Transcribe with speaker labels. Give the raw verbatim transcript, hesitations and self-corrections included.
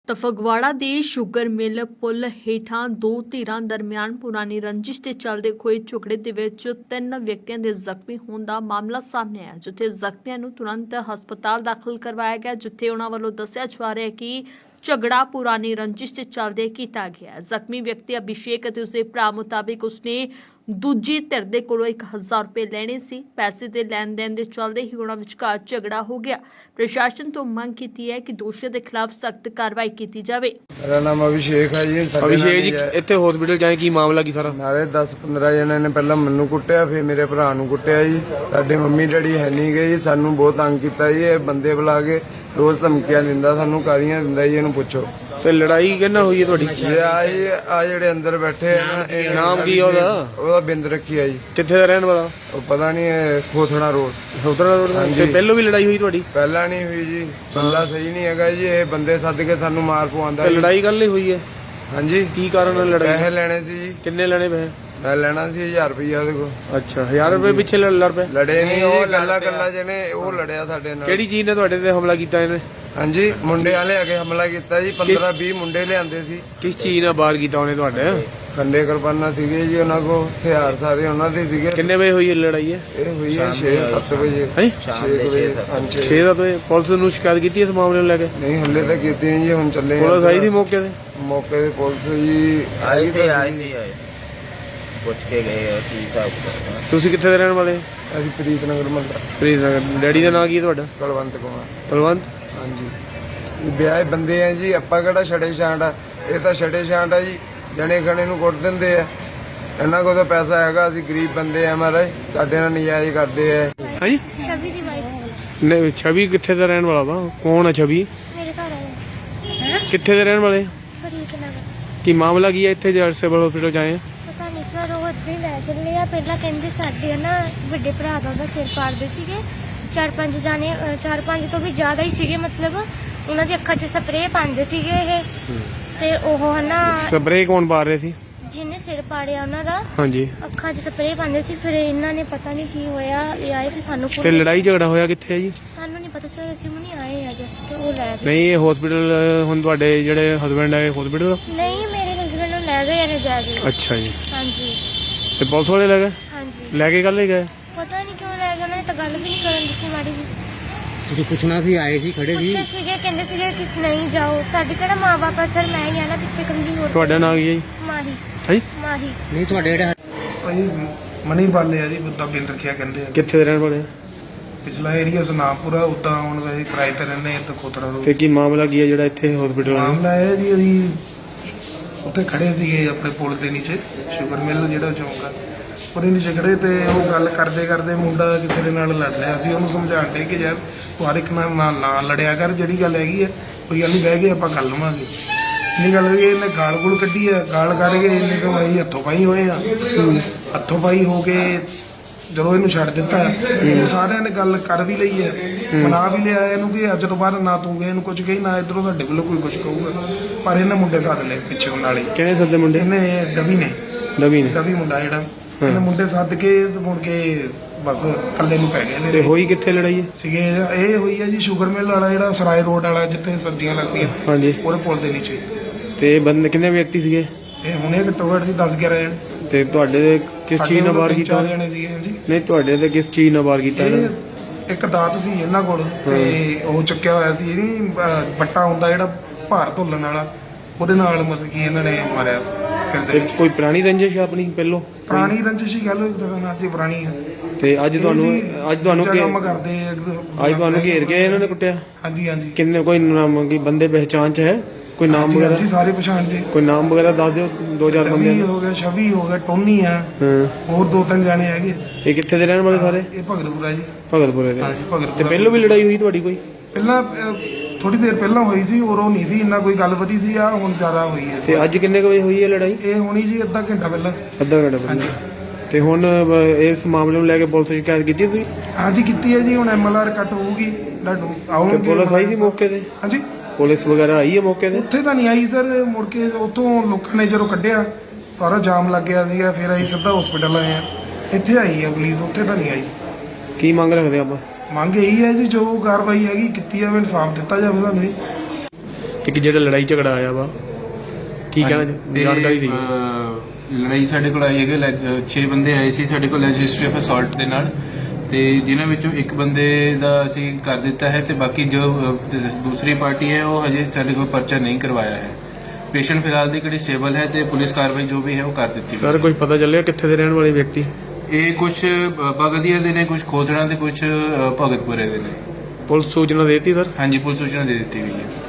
Speaker 1: ਤਾਂ ਫਗਵਾੜਾ ਦੇ sugar mill ਪੁਲ ਹੇਠਾਂ ਦੋ ਧਿਰਾਂ ਦਰਮਿਆਨ ਪੁਰਾਣੀ ਰੰਜਿਸ਼ ਦੇ ਚੱਲਦੇ ਹੋਏ ਝਗੜੇ ਦੇ ਵਿੱਚ ਤਿੰਨ ਵਿਅਕਤੀਆਂ ਦੇ ਜ਼ਖਮੀ ਹੋਣ ਦਾ ਮਾਮਲਾ ਸਾਹਮਣੇ ਆਇਆ, ਜਿੱਥੇ ਜ਼ਖਮੀਆਂ ਨੂੰ ਤੁਰੰਤ ਹਸਪਤਾਲ ਦਾਖਲ ਕਰਵਾਇਆ ਗਿਆ, ਜਿੱਥੇ ਉਹਨਾਂ ਵੱਲੋਂ ਦੱਸਿਆ ਜਾ ਰਿਹਾ ਹੈ ਕਿ ਝਗੜਾ ਪੁਰਾਣੀ ਰੰਜਿਸ਼ ਦੇ ਚੱਲਦੇ ਕੀਤਾ ਗਿਆ। ਜ਼ਖਮੀ ਵਿਅਕਤੀ ਅਭਿਸ਼ੇਕ ਅਤੇ ਉਸਦੇ ਭਰਾ ਮੁਤਾਬਿਕ ਉਸਨੇ ਦੂਜੀ ਧਿਰ ਦੇ ਕੋਲੋਂ ਇੱਕ ਹਜ਼ਾਰ ਰੁਪਏ ਲੈਣੇ ਸੀ। ਪੈਸੇ ਦੇ ਲੈਣ ਦੇਣ ਦੇ ਚੱਲਦੇ ਹੀ ਉਹਨਾਂ ਵਿਚਕਾਰ ਝਗੜਾ ਹੋ ਗਿਆ। ਪ੍ਰਸ਼ਾਸਨ ਤੋਂ ਮੰਗ ਕੀਤੀ ਹੈ ਕਿ ਦੋਸ਼ੀਆਂ ਦੇ ਖਿਲਾਫ ਸਖਤ ਕਾਰਵਾਈ ਕੀਤੀ ਜਾਵੇ।
Speaker 2: मेरा नाम अभिषेक है जी।
Speaker 3: ਅਭਿਸ਼ੇਕ ਜੀ ਇੱਥੇ ਹਸਪੀਟਲ ਜਾਏ ਕੀ ਮਾਮਲਾ ਕੀ ਸਾਰਾ?
Speaker 2: ਨਾਲੇ ਦਸ ਪੰਦਰਾਂ ਜਣਿਆਂ ਨੇ ਪਹਿਲਾਂ ਮੈਨੂੰ ਕੁੱਟਿਆ, ਫਿਰ ਮੇਰੇ ਭਰਾ ਨੂੰ ਕੁੱਟਿਆ ਜੀ। ਸਾਡੇ ਮੰਮੀ ਡੈਡੀ ਹੈ ਨਹੀਂ ਗਏ ਜੀ, ਸਾਨੂੰ ਬਹੁਤ ਤੰਗ ਕੀਤਾ ਜੀ। ਇਹ ਬੰਦੇ ਬੁਲਾ ਕੇ ਰੋਜ਼ ਧਮਕੀਆਂ ਦਿੰਦਾ, ਸਾਨੂੰ ਕਾਦੀਆਂ ਦਿੰਦਾ ਜੀ। ਇਹਨੂੰ ਪੁੱਛੋ।
Speaker 3: ਤੇ ਲੜਾਈ ਕਿਹਨਾਂ ਹੋਈ ਹੈ ਤੁਹਾਡੀ?
Speaker 2: ਇਹ ਆ ਜੀ ਆ ਜਿਹੜੇ ਅੰਦਰ ਬੈਠੇ ਆ ਨਾ, ਇਹ
Speaker 3: ਨਾਮ ਕੀ ਆ ਉਹਦਾ?
Speaker 2: ਉਹਦਾ ਬਿੰਦ ਰੱਖੀ ਆ ਜੀ।
Speaker 3: ਕਿੱਥੇ ਦਾ ਰਹਿਣ ਵਾਲਾ?
Speaker 2: ਉਹ ਪਤਾ ਨਹੀਂ, ਇਹ ਖੋਥੜਾ ਰੋਡ।
Speaker 3: ਖੋਤੜਾ ਰੋਡ।
Speaker 2: ਹਾਂਜੀ।
Speaker 3: ਤੇ ਪਹਿਲੋਂ ਵੀ ਲੜਾਈ ਹੋਈ ਤੁਹਾਡੀ?
Speaker 2: ਪਹਿਲਾਂ ਨਹੀਂ ਹੋਈ ਜੀ, ਬੰਦਾ ਸਹੀ ਨਹੀਂ ਹੈਗਾ ਜੀ। ਇਹ ਬੰਦੇ ਸੱਦ ਕੇ ਸਾਨੂੰ ਮਾਰ ਪਵਾਉਂਦਾ
Speaker 3: ਤੇ
Speaker 2: ਜੀ।
Speaker 3: ਲੜਾਈ ਕੱਲ ਹੀ ਹੋਈ ਹੈ?
Speaker 2: ਹਾਂਜੀ।
Speaker 3: ਕੀ ਕਾਰਨ ਹੈ ਲੜਾਈ?
Speaker 2: ਪੈਸੇ ਲੈਣੇ ਸੀ ਜੀ।
Speaker 3: ਕਿੰਨੇ ਲੈਣੇ ਪੈਸੇ?
Speaker 2: ਮੈਂ ਲੈਣਾ ਸੀ ਹਜ਼ਾਰ ਰੁਪਈਆ ਉਹਦੇ ਕੋਲ।
Speaker 3: ਅੱਛਾ, ਹਜ਼ਾਰ ਰੁਪਏ ਪਿੱਛੇ ਲੜ ਲੜ ਪਏ?
Speaker 2: ਲੜੇ ਨਹੀਂ, ਉਹ ਗੱਲਾਂ ਗੱਲਾਂ ਜਿਹਨੇ ਉਹ ਲੜਿਆ ਸਾਡੇ ਨਾਲ।
Speaker 3: ਕਿਹੜੀ ਚੀਜ਼ ਨੇ ਤੁਹਾਡੇ ਤੇ ਹਮਲਾ ਕੀਤਾ ਇਹਨੇ?
Speaker 2: ਹਾਂਜੀ, ਮੁੰਡੇ ਵਾਲੇ ਆ ਕੇ ਹਮਲਾ ਕੀਤਾ ਜੀ। ਪੰਦਰਾਂ ਵੀਹ ਮੁੰਡੇ ਲਿਆਂਦੇ ਸੀ।
Speaker 3: ਕਿਸ ਚੀਜ਼ ਨਾਲ ਵਾਰ ਕੀਤਾ ਉਹਨੇ ਤੁਹਾਡੇ?
Speaker 2: ਖੰਡੇ ਕਿਰਪਾਨਾਂ ਸੀਗੇ ਜੀ ਉਹਨਾਂ ਕੋਲ, ਹਥਿਆਰ ਸਾਰੇ ਉਹਨਾਂ ਦੇ ਸੀਗੇ।
Speaker 3: ਕਿੰਨੇ ਵਜੇ ਹੋਈ ਇਹ ਲੜਾਈ ਹੈ?
Speaker 2: ਇਹ ਹੋਈ ਹੈ ਛੇ ਸੱਤ ਵਜੇ।
Speaker 3: ਹੈ
Speaker 2: ਛੇ ਵਜੇ। ਹਾਂਜੀ
Speaker 3: ਛੇ ਦਾ ਵਜੇ। ਪੁਲਿਸ ਨੂੰ ਸ਼ਿਕਾਇਤ ਕੀਤੀ ਇਸ ਮਾਮਲੇ ਨੂੰ ਲੈ ਕੇ?
Speaker 2: ਨਹੀਂ, ਹੱਲੇ ਤਾਂ ਕੀਤੀ ਨਹੀਂ ਜੀ, ਹੁਣ ਚੱਲੇ।
Speaker 3: ਪੁਲਿਸ ਆਈ ਸੀ ਮੌਕੇ ਤੇ?
Speaker 2: ਮੌਕੇ ਤੇ ਪੁਲਿਸ ਜੀ
Speaker 4: ਆਈ ਸੀ ਆਈ ਸੀ ਪੁੱਛ ਕੇ ਗਏ ਆ ਕੀ ਹਿਸਾਬ ਕਿਤਾਬ।
Speaker 3: ਤੁਸੀਂ ਕਿੱਥੇ ਦੇ ਰਹਿਣ ਵਾਲੇ?
Speaker 2: ਅਸੀਂ ਪ੍ਰੀਤ ਨਗਰ ਮੱਲਾ।
Speaker 3: ਪ੍ਰੀਤ ਨਗਰ। ਡੈਡੀ ਦਾ ਨਾਂ ਕੀ ਹੈ ਤੁਹਾਡਾ?
Speaker 2: ਕੁਲਵੰਤ ਕੁਮਾਰ।
Speaker 3: ਕੁਲਵੰਤ।
Speaker 2: ਹਾਂਜੀ। ਇਹ ਵਿਆਹ ਬੰਦੇ ਆ ਜੀ, ਆਪਾਂ ਕਿਹੜਾ ਛੜੇ ਛਾਂਟ ਆ? ਇਹ ਤਾਂ ਛੜੇ ਛਾਂਟ ਆ ਜੀ, ਜਣੇ ਖਣੇ ਨੂੰ ਕੁੱਟ ਦਿੰਦੇ ਆ। ਇਹਨਾਂ ਕੋਲ ਤਾਂ ਪੈਸਾ ਹੈਗਾ, ਅਸੀਂ ਗਰੀਬ ਬੰਦੇ ਆ ਮਹਾਰਾਜ, ਸਾਡੇ ਨਾਲ ਨਜਾਇਜ਼ ਕਰਦੇ ਆ।
Speaker 3: ਹਾਂਜੀ।
Speaker 5: ਛਵੀ ਦੀ ਵਾਈਫ।
Speaker 3: ਨਹੀਂ, ਛਵੀ ਕਿੱਥੇ ਦਾ ਰਹਿਣ ਵਾਲਾ ਵਾ? ਕੌਣ ਹੈ ਛਵੀ?
Speaker 5: ਮੇਰੇ ਘਰ ਆਇਆ
Speaker 3: ਕਿੱਥੇ ਦੇ ਰਹਿਣ ਵਾਲੇ?
Speaker 5: ਫਰੀਦ ਨਗਰ।
Speaker 3: ਕੀ ਮਾਮਲਾ ਕੀ ਹੈ ਇੱਥੇ ਜੇ ਸਿਵਲ ਹਸਪੀਟਲ ਜਾਏ ਆ?
Speaker 5: ਪਤਾ ਨਹੀਂ ਸਰ, ਉਹ ਇੱਦਾਂ ਹੀ ਲੈ ਚੱਲੇ ਆ। ਪਹਿਲਾਂ ਕਹਿੰਦੇ ਸਾਡੇ ਨਾ ਵੱਡੇ ਭਰਾ ਦਾ ਉਹਦਾ ਸਿਰ ਪਾੜਦੇ ਸੀਗੇ। ਚਾਰ ਪੰਜ ਜਾਣੇ, ਅ, ਚਾਰ ਪੰਜ ਤੋਂ ਵੀ ਜ਼ਿਆਦਾ ਹੀ ਸੀਗੇ। ਮਤਲਬ ਉਹਨਾਂ ਦੀ ਅੱਖਾਂ 'ਚ ਸਪਰੇਅ ਪਾਉਂਦੇ ਸੀਗੇ ਇਹ। ਤੇ ਉਹ ਹਨਾ
Speaker 3: ਸਪਰੇਅ ਕੌਣ ਪਾ ਰਹੇ ਸੀ?
Speaker 5: ਜਿਹਨੇ ਸਿਰ ਪਾੜਿਆ ਉਹਨਾਂ ਦਾ
Speaker 3: ਹਾਂਜੀ।
Speaker 5: ਅੱਖਾਂ 'ਚ ਸਪਰੇਅ ਪਾਉਂਦੇ ਸੀ। ਫਿਰ ਇਹਨਾਂ ਨੇ ਪਤਾ ਨਹੀਂ ਕੀ ਹੋਇਆ, ਇਹ ਆਏ ਫਿਰ ਸਾਨੂੰ
Speaker 3: ਤੇ ਲੜਾਈ ਝਗੜਾ ਹੋਇਆ ਕਿੱਥੇ ਹੈ ਜੀ?
Speaker 5: ਸਾਨੂੰ ਨਹੀਂ ਪਤਾ ਸਰ, ਅਸੀਂ ਹੁਣੀ ਆਏ ਆ ਜਸਟ। ਉਹ ਲੈ ਗਏ।
Speaker 3: ਨਹੀਂ, ਇਹ ਹਸਪੀਟਲ ਹੁਣ ਤੁਹਾਡੇ ਜਿਹੜੇ ਹਸਬੰਡ ਹੈ ਹਸਪੀਟਲ?
Speaker 5: ਨਹੀਂ, ਮੇਰੇ ਹਸਬੈਂਡ ਨੂੰ ਲੈ ਗਏ ਨੇ ਜਾ ਕੇ।
Speaker 3: ਅੱਛਾ ਜੀ।
Speaker 5: ਹਾਂਜੀ
Speaker 3: ਤੇ ਪੁਲਿਸ ਵਾਲੇ ਲੈ ਗਏ?
Speaker 5: ਹਾਂਜੀ।
Speaker 3: ਲੈ ਕੇ ਕੱਲ ਹੀ ਗਏ?
Speaker 5: ਪਤਾ ਨਹੀਂ ਕਿਉਂ ਲੈ ਗਏ, ਉਹਨਾਂ ਨੇ ਤਾਂ ਗੱਲ ਵੀ ਨਹੀਂ ਕਰਨ ਦਿੱਤੀ ਮਾੜੀ ਜੀ।
Speaker 6: ਤੁਸੀਂ ਪੁੱਛਣਾ ਸੀ, ਆਏ ਸੀ, ਖੜੇ ਸੀ?
Speaker 5: ਪੁੱਛੇ ਸੀਗੇ, ਕਹਿੰਦੇ ਸੀਗੇ ਕਿ ਨਹੀਂ ਜਾਓ। ਸਾਡੇ ਕਿਹੜਾ ਮਾਂ ਬਾਪ ਆ ਸਰ, ਮੈਂ ਹੀ ਆ ਨਾ ਪਿੱਛੇ ਕੱਲੀ। ਹੋਰ
Speaker 3: ਤੁਹਾਡਾ ਨਾਂ ਕੀ ਹੈ ਜੀ?
Speaker 5: ਮਾਹੀ।
Speaker 3: ਹਾਂਜੀ।
Speaker 5: ਮਾਹੀ।
Speaker 6: ਨਹੀਂ, ਤੁਹਾਡੇ ਜਿਹੜੇ
Speaker 7: ਭਾਈ ਮਨੀ ਪਾਲੇ ਆ ਜੀ, ਬੁੱਧਾ ਬਿੰਦ ਰੱਖਿਆ ਕਹਿੰਦੇ ਆ।
Speaker 3: ਕਿੱਥੇ ਦੇ ਰਹਿਣ ਵਾਲੇ?
Speaker 7: ਪਿਛਲਾ ਏਰੀਆ ਸੁਨਾਮਪੁਰਾ। ਉਦਾਂ ਹੁਣ ਵੈਸੇ ਕਿਰਾਏ ਤੇ ਰਹਿੰਦੇ ਆ, ਤੇ ਖੋਤੜਾ ਰੋਡ।
Speaker 3: ਤੇ ਕੀ ਮਾਮਲਾ ਕੀ ਹੈ ਜਿਹੜਾ ਇੱਥੇ ਹਸਪੀਟਲ ਆਇਆ?
Speaker 7: ਮਾਮਲਾ ਇਹ ਜੀ, ਅਸੀਂ ਉੱਥੇ ਖੜੇ ਸੀਗੇ ਆਪਣੇ ਪੁਲ ਦੇ ਨੀਚੇ, ਸ਼ੂਗਰ ਮਿਲ ਜਿਹੜਾ ਚੌਂਕ ਆ, ਉਹਦੇ ਨੀਚੇ ਖੜੇ। ਤੇ ਉਹ ਗੱਲ ਕਰਦੇ ਕਰਦੇ ਮੁੰਡਾ ਕਿਸੇ ਦੇ ਨਾਲ ਲੜ ਰਿਹਾ ਸੀ। ਉਹਨੂੰ ਸਮਝਾਉਣ ਡੇ ਕਿ ਯਾਰ ਤੂੰ ਹਰ ਇੱਕ ਨਾਲ ਨਾ ਨਾ ਲੜਿਆ ਕਰ, ਜਿਹੜੀ ਗੱਲ ਹੈਗੀ ਹੈ ਕੋਈ ਗੱਲ ਨਹੀਂ, ਬਹਿ ਕੇ ਆਪਾਂ ਕਰ ਲਵਾਂਗੇ। ਇਹ ਗੱਲ ਹੋਈ, ਇਹਨੇ ਗਾਲ ਗੁਲ ਕੱਢੀ ਆ। ਗਾਲ ਕੱਢ ਕੇ ਇਹਨੇ ਤੋਂ ਅਸੀਂ ਹੱਥੋਂ ਪਾਈ ਹੋਏ ਆ। ਹੱਥੋਂ ਪਾਈ ਹੋ ਕੇ ਜਦੋਂ ਇਹਨੂੰ ਛੱਡ ਦਿੱਤਾ, ਉਹ ਸਾਰਿਆਂ ਨੇ ਗੱਲ ਕਰ ਵੀ ਲਈ ਹੈ, ਮਨਾ ਵੀ ਲਿਆ ਇਹਨੂੰ ਕਿ ਅੱਜ ਤੋਂ ਬਾਅਦ ਨਾ ਤੂੰ ਗਏ ਇਹਨੂੰ ਕੁਝ ਕਹੀ, ਨਾ ਇੱਧਰੋਂ ਸਾਡੇ ਵੱਲੋਂ ਕੋਈ ਕੁਝ ਕਹੂਗਾ। ਪਰ ਇਹਨੇ ਮੁੰਡੇ ਸੱਦ ਲਏ ਪਿੱਛੇ ਨਾਲ ਹੀ।
Speaker 3: ਕਿਹੜੇ ਸੱਦੇ ਮੁੰਡੇ?
Speaker 7: ਇਹਨੇ ਡਵੀ ਨੇ
Speaker 3: ਨਵੀਂ ਨੇ?
Speaker 7: ਡਵੀ ਮੁੰਡਾ ਜਿਹੜਾ, ਇਹਨੇ ਮੁੰਡੇ ਸੱਦ ਕੇ ਮੁੜ ਕੇ ਬਸ ਇਕੱਲੇ ਨੂੰ ਪੈ ਗਏ
Speaker 3: ਤੇ
Speaker 7: ਮੇਰੇ।
Speaker 3: ਹੋਈ ਕਿੱਥੇ ਲੜਾਈ ਹੈ?
Speaker 7: ਸੀਗੇ ਇਹ ਹੋਈ ਹੈ ਜੀ ਸ਼ੂਗਰ ਮਿਲ ਵਾਲਾ, ਜਿਹੜਾ ਸਰਾਏ ਰੋਡ ਵਾਲਾ ਜਿੱਥੇ ਸਬਜ਼ੀਆਂ ਲੱਗਦੀਆਂ,
Speaker 3: ਹਾਂਜੀ।
Speaker 7: ਉਹਦੇ ਪੁਲ ਦੇ ਨੀਚੇ।
Speaker 3: ਤੇ ਬੰਦੇ ਕਿੰਨੇ ਵਿਅਕਤੀ ਸੀਗੇ?
Speaker 7: ਇਹ ਹੁਣੇ ਘੱਟੋ ਘੱਟ ਜੀ ਦਸ ਗਿਆਰਾਂ ਜਣੇ।
Speaker 3: ਤੇ ਤੁਹਾਡੇ ਤੇ ਕਿਸ ਚੀਜ਼ ਨਾਲ ਵਾਰ
Speaker 7: ਤਿੰਨ
Speaker 3: ਕੀਤਾ?
Speaker 7: ਚਾਰ ਜਣੇ ਸੀਗੇ ਜੀ।
Speaker 3: ਨਹੀਂ, ਤੁਹਾਡੇ ਤੇ ਕਿਸ ਚੀਜ਼ ਨਾਲ ਵਾਰ ਕੀਤਾ ਇਹਨਾਂ ਨੇ?
Speaker 7: ਇਹ ਇੱਕ ਦਾਤ ਸੀ ਇਹਨਾਂ ਕੋਲ, ਤੇ ਉਹ ਚੁੱਕਿਆ ਹੋਇਆ ਸੀ। ਇਹ ਨਹੀਂ ਬੱਟਾ ਹੁੰਦਾ ਜਿਹੜਾ ਭਾਰ ਧੁੱਲਣ ਵਾਲਾ, ਉਹਦੇ ਨਾਲ ਮਤਲਬ ਕਿ ਇਹਨਾਂ ਨੇ ਮਾਰਿਆ ਸਿਰ ਦੇ
Speaker 3: ਤੇ
Speaker 7: ਵਿੱਚ।
Speaker 3: ਕੋਈ ਪੁਰਾਣੀ ਰੰਜਿਸ਼ ਆਪਣੀ ਪਹਿਲੋਂ?
Speaker 7: ਪੁਰਾਣੀ ਰੰਜਿਸ਼ ਹੀ ਗੱਲ ਹੋਈ ਤਾਂ ਅੱਜ ਪੁਰਾਣੀ ਆ।
Speaker 3: ਤੇ ਅੱਜ ਤੁਹਾਨੂੰ ਅੱਜ ਤੁਹਾਨੂੰ
Speaker 7: ਦੂਜਾ ਕੰਮ
Speaker 3: ਘੇਰ-
Speaker 7: ਕਰਦੇ ਆ।
Speaker 3: ਅੱਜ ਤੁਹਾਨੂੰ ਘੇਰ ਕੇ ਇਹਨਾਂ ਨੇ ਕੁੱਟਿਆ?
Speaker 7: ਹਾਂਜੀ ਹਾਂਜੀ
Speaker 3: ਕਿੰਨੇ ਕੋਈ ਨਾਮ ਕੀ ਬੰਦੇ ਪਹਿਚਾਣ ਚ ਹੈ? ਕੋਈ ਨਾਮ
Speaker 7: ਹਾਂਜੀ,
Speaker 3: ਵਗੈਰਾ?
Speaker 7: ਹਾਂਜੀ, ਸਾਰੇ ਪਛਾਣ ਜੇ।
Speaker 3: ਕੋਈ ਨਾਮ ਵਗੈਰਾ ਦੱਸ ਦਿਓ, ਦੋ ਚਾਰ ਬੰਦੇ।
Speaker 7: ਰਵੀ ਹੋ ਗਿਆ, ਛਵੀ ਹੋ ਗਿਆ, ਟੋਨੀ ਆ,
Speaker 3: ਹਾਂ।
Speaker 7: ਹੋਰ ਦੋ ਤਿੰਨ ਜਾਣੇ ਹੈਗੇ।
Speaker 3: ਇਹ ਕਿੱਥੇ ਦੇ ਰਹਿਣ ਵਾਲੇ ਸਾਰੇ?
Speaker 7: ਇਹ ਭਗਤਪੁਰਾ ਜੀ।
Speaker 3: ਭਗਤਪੁਰੇ ਦੇ?
Speaker 7: ਹਾਂਜੀ, ਭਗਤਪੁਰਾ।
Speaker 3: ਤੇ ਪਹਿਲੋਂ ਵੀ ਲੜਾਈ ਹੋਈ ਤੁਹਾਡੀ ਕੋਈ?
Speaker 7: ਪਹਿਲਾਂ ਥੋੜੀ ਦੇਰ ਪਹਿਲਾਂ ਹੋਈ ਸੀ, ਉਦੋਂ ਨਹੀਂ ਸੀ ਇੰਨਾ ਕੋਈ ਗੱਲ ਵਧੀ ਸੀ। ਆ ਹੁਣ ਜ਼ਿਆਦਾ ਹੋਈ ਹੈ।
Speaker 3: ਤੇ ਅੱਜ ਕਿੰਨੇ ਕੁ ਵਜੇ ਹੋਈ ਹੈ ਲੜਾਈ?
Speaker 7: ਇਹ ਹੋਣੀ ਜੀ ਅੱਧਾ ਘੰਟਾ ਪਹਿਲਾਂ।
Speaker 3: ਅੱਧਾ ਘੰਟਾ ਪਹਿਲਾਂ?
Speaker 7: ਹਾਂਜੀ।
Speaker 3: ਤੇ ਹੁਣ ਅ, ਇਸ ਮਾਮਲੇ ਨੂੰ ਲੈ ਕੇ ਪੁਲਿਸ ਸ਼ਿਕਾਇਤ ਕੀਤੀ ਤੁਸੀਂ?
Speaker 7: ਹਾਂਜੀ ਕੀਤੀ ਹੈ ਜੀ। ਹੁਣ ਐਮਐਲਆਰ ਕੱਟ ਹੋਊਗੀ, ਤੁਹਾਨੂੰ
Speaker 3: ਤੇ
Speaker 7: ਆਉਣਗੇ।
Speaker 3: ਪੁਲਿਸ ਆਈ ਸੀ ਮੌਕੇ ਤੇ?
Speaker 7: ਹਾਂਜੀ।
Speaker 3: ਪੁਲਿਸ ਵਗੈਰਾ ਆਈ ਹੈ ਮੌਕੇ ਤੇ?
Speaker 7: ਉੱਥੇ ਤਾਂ ਨਹੀਂ ਆਈ ਸਰ। ਮੁੜ ਕੇ ਉੱਥੋਂ ਲੋਕਾਂ ਨੇ ਜਦੋਂ ਕੱਢਿਆ, ਸਾਰਾ ਜਾਮ ਲੱਗ ਗਿਆ ਸੀਗਾ, ਫਿਰ ਅਸੀਂ ਸਿੱਧਾ ਹਸਪੀਟਲ ਆਏ ਆ। ਇੱਥੇ ਆਈ ਹੈ ਪੁਲਿਸ, ਉੱਥੇ ਤਾਂ ਨਹੀਂ ਆਈ।
Speaker 3: ਕੀ ਮੰਗ ਰੱਖਦੇ ਆਪਾਂ?
Speaker 7: ਮੰਗ ਇਹੀ ਹੈ ਜੀ, ਜੋ ਕਾਰਵਾਈ ਹੈਗੀ ਕੀਤੀ ਜਾਵੇ, ਇਨਸਾਫ ਦਿੱਤਾ ਜਾਵੇ ਸਾਨੂੰ।
Speaker 3: ਇੱਕ ਜਿਹੜਾ ਲੜਾਈ ਝਗੜਾ ਆਇਆ ਵਾ ਕੀ ਕਹਿਣਾ
Speaker 8: ਤੇ,
Speaker 3: ਜਾਣਕਾਰੀ ਦੀ
Speaker 8: ਅਹ, ਲੜਾਈ ਸਾਡੇ ਕੋਲ ਆਈ ਹੈਗੇ ਛੇ ਬੰਦੇ ਆਏ ਸੀ ਸਾਡੇ ਕੋਲ ਰਜਿਸਟਰੀ ਆਫ ਅਸੌਲਟ ਦੇ ਨਾਲ ਤੇ ਜਿਨ੍ਹਾਂ ਵਿੱਚੋਂ ਇੱਕ ਬੰਦੇ ਦਾ ਅਸੀਂ ਕਰ ਦਿੱਤਾ ਹੈ ਤੇ ਬਾਕੀ ਜੋ ਅਹ, ਦੂਸਰੀ ਪਾਰਟੀ ਹੈ ਉਹ ਹਜੇ ਸਾਡੇ ਕੋਲ ਪਰਚਾ ਨਹੀਂ ਕਰਵਾਇਆ ਹੈ। ਪੇਸ਼ੈਂਟ ਫਿਲਹਾਲ ਦੀ ਕਿਹੜੀ ਸਟੇਬਲ ਹੈ ਤੇ ਪੁਲਿਸ ਕਾਰਵਾਈ ਜੋ ਵੀ ਹੈ ਉਹ ਕਰ ਦਿੱਤੀ
Speaker 3: ਸਰ ਕੁਝ ਪਤਾ ਚੱਲਿਆ ਕਿੱਥੇ ਦੇ ਰਹਿਣ ਵਾਲੇ ਵਿਅਕਤੀ
Speaker 8: ਇਹ ਕੁਝ ਬਗਦੀਆ ਦੇ ਨੇ, ਕੁਝ ਖੋਦੜਾ ਦੇ, ਕੁਝ ਭਗਤਪੁਰੇ ਦੇ ਨੇ।
Speaker 3: ਪੁਲਿਸ ਸੂਚਨਾ ਦੇਤੀ ਸਰ
Speaker 8: ਹਾਂਜੀ ਪੁਲਿਸ ਸੂਚਨਾ ਦੇ ਦਿੱਤੀ ਗਈ ਹੈ।